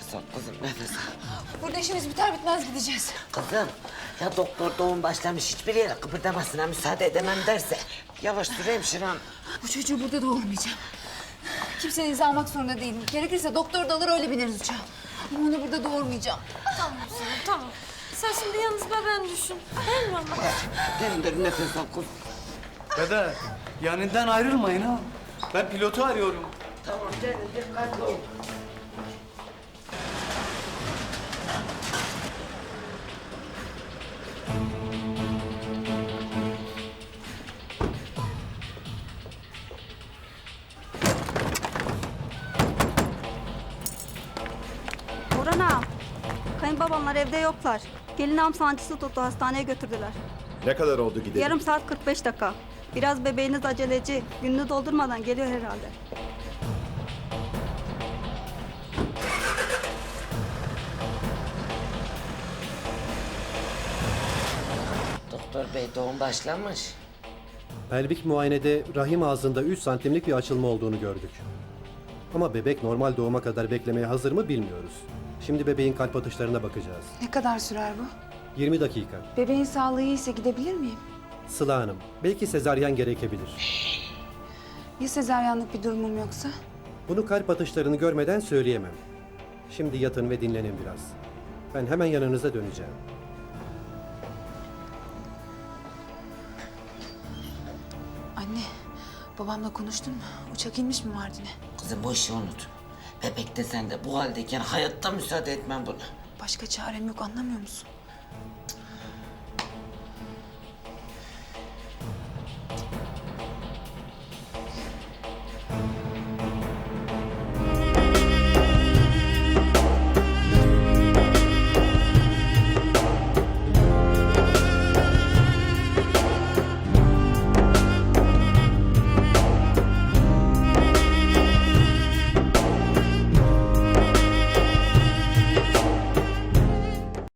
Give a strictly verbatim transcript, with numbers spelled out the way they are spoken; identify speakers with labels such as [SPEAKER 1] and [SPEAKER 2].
[SPEAKER 1] nefes al kızım, nefes al.
[SPEAKER 2] Burada işimiz biter bitmez gideceğiz.
[SPEAKER 1] Kızım, ya doktor doğum başlamış hiçbir yere kıpırdamasına müsaade edemem derse... Yavaş dur hemşire hanım.
[SPEAKER 2] Bu çocuğu burada doğurmayacağım. Kimsenin izah almak zorunda değilim. Gerekirse doktor da alır öyle bineriz uçağa. Ama onu burada doğurmayacağım.
[SPEAKER 3] Tamam Sinem, tamam. Sen şimdi yalnız bebeğini düşün. Değil mi ama?
[SPEAKER 1] Derin derin nefes al kızım.
[SPEAKER 4] Dede, yanından ayrılmayın ha. Ben pilotu arıyorum.
[SPEAKER 1] Tamam derin dikkatli ol.
[SPEAKER 5] Orhan ağam, kayınbabamlar evde yoklar. Gelin ağam sancısı tuttu, hastaneye götürdüler.
[SPEAKER 6] Ne kadar oldu gidelim?
[SPEAKER 5] Yarım saat kırk beş dakika. Biraz bebeğiniz aceleci, gününü doldurmadan geliyor herhalde.
[SPEAKER 1] Doktor bey doğum başlamış.
[SPEAKER 7] Pelvik muayenede rahim ağzında üç santimlik bir açılma olduğunu gördük. Ama bebek normal doğuma kadar beklemeye hazır mı bilmiyoruz. Şimdi bebeğin kalp atışlarına bakacağız.
[SPEAKER 2] Ne kadar sürer bu?
[SPEAKER 7] yirmi dakika.
[SPEAKER 2] Bebeğin sağlığı iyiyse gidebilir miyim?
[SPEAKER 7] Sıla Hanım, belki sezaryen gerekebilir.
[SPEAKER 2] Ya sezaryenlik bir durumum yoksa?
[SPEAKER 7] Bunu kalp atışlarını görmeden söyleyemem. Şimdi yatın ve dinlenin biraz. Ben hemen yanınıza döneceğim.
[SPEAKER 2] Anne, babamla konuştun mu? Uçak inmiş mi Mardin'e?
[SPEAKER 1] Kızım bu işi unut. Bebek de sen de bu haldeyken hayatta müsaade etmem buna.
[SPEAKER 2] Başka çarem yok, anlamıyor musun?